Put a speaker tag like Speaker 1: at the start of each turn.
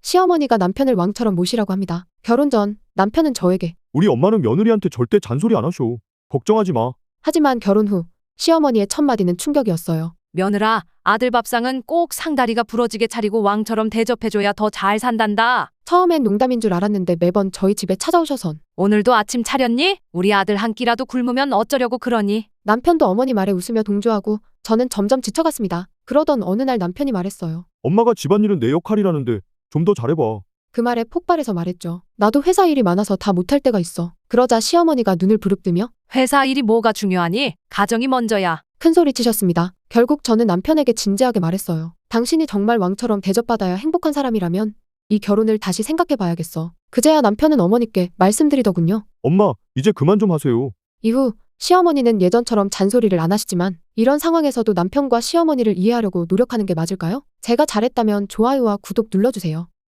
Speaker 1: 시어머니가 남편을 왕처럼 모시라고 합니다. 결혼 전 남편은 저에게
Speaker 2: 우리 엄마는 며느리한테 절대 잔소리 안 하셔. 걱정하지 마.
Speaker 1: 하지만 결혼 후 시어머니의 첫마디는 충격이었어요.
Speaker 3: 며느라, 아들 밥상은 꼭 상다리가 부러지게 차리고 왕처럼 대접해줘야 더 잘 산단다.
Speaker 1: 처음엔 농담인 줄 알았는데 매번 저희 집에 찾아오셔선
Speaker 3: 오늘도 아침 차렸니? 우리 아들 한 끼라도 굶으면 어쩌려고 그러니?
Speaker 1: 남편도 어머니 말에 웃으며 동조하고 저는 점점 지쳐갔습니다. 그러던 어느 날 남편이 말했어요.
Speaker 2: 엄마가 집안일은 내 역할이라는데 좀 더 잘해봐.
Speaker 1: 그 말에 폭발해서 말했죠. 나도 회사 일이 많아서 다 못할 때가 있어. 그러자 시어머니가 눈을 부릅뜨며
Speaker 3: 회사 일이 뭐가 중요하니? 가정이 먼저야.
Speaker 1: 큰소리치셨습니다. 결국 저는 남편에게 진지하게 말했어요. 당신이 정말 왕처럼 대접받아야 행복한 사람이라면 이 결혼을 다시 생각해봐야겠어. 그제야 남편은 어머니께 말씀드리더군요.
Speaker 2: 엄마, 이제 그만 좀 하세요.
Speaker 1: 이후 시어머니는 예전처럼 잔소리를 안 하시지만 이런 상황에서도 남편과 시어머니를 이해하려고 노력하는 게 맞을까요? 제가 잘했다면 좋아요와 구독 눌러주세요.